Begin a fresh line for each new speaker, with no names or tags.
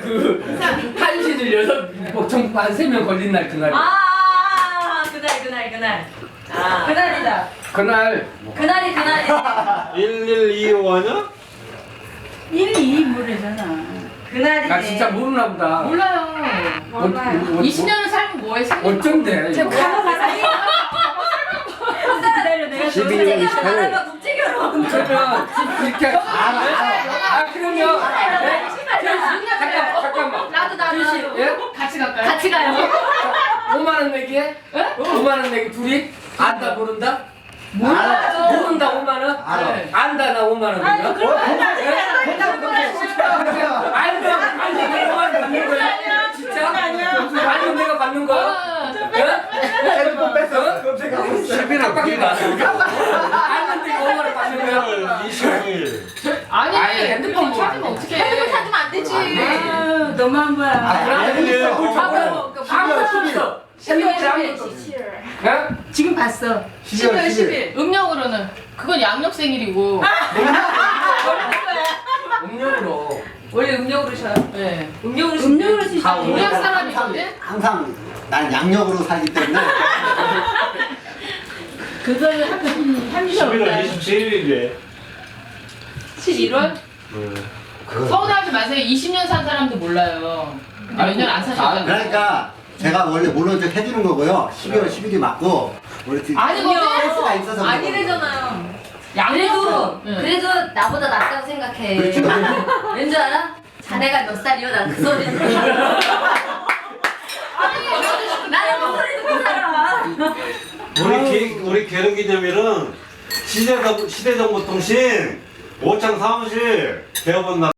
그 한시 들려서 보통 한 3명 걸린 날 그날.
그날. 그날이다.
그날
그날이.
1125냐?
1,2인분이잖아.
그날이네.
나 진짜 모르나 보다.
몰라요.
몰라요.
20년을 살면 뭐해?
어쩐데?
제가 가봐가지.
기다려, 내가
12월 28일.
국제결혼.
그러면 이렇게 그러면 잠깐만.
나도.
예?
같이 갈까요?
같이 가요.
5만 원 내기에? 5만 원 내기 둘이? 안다 모른다?
몰라요.
모른다 5만 원?
알아.
네.
안다 나 5만 원.
아니, 그럼
안다 내가 5만 원 받는 거야? 진짜? 아니 내가 받는 거야?
핸드폰 뺐어. 깜짝이야.
11월 아는데 5만 원 받는 거야?
25일.
아니,
아니, 핸드폰
핸드폰 찾으면 어떡해.
핸드폰 찾으면 안 되지.
아유, 너무한 거야.
아니에요.
아무것도 없어. 핸드폰에 아무것도 없어. 예?
지금 봤어.
12월 10일.
음력으로는. 그건 양력 생일이고.
음력으로.
원래 음력으로 쉬어요?
네.
음력으로
음력
쉬어요.
사람이거든?
항상 난 양력으로 살기 때문에
그거를 한
11월 27일이래.
11월? 서운하지 마세요. 20년 산 사람도 몰라요. 몇 년 안 사셨잖아요.
그러니까 제가 원래 모른 척 해주는 거고요. 12월 10일이 맞고 원래
아니거든?
센스가 있어서
아니래잖아요.
양력으로.
그래도 나보다 낫다고 생각해.
그렇죠.
왠 줄 알아? 자네가 몇 살이요? 난 그 소리 듣고. 나는 그 소리 듣고 살아.
우리 결혼기념일은 시대정보통신 오창 사무실 대업원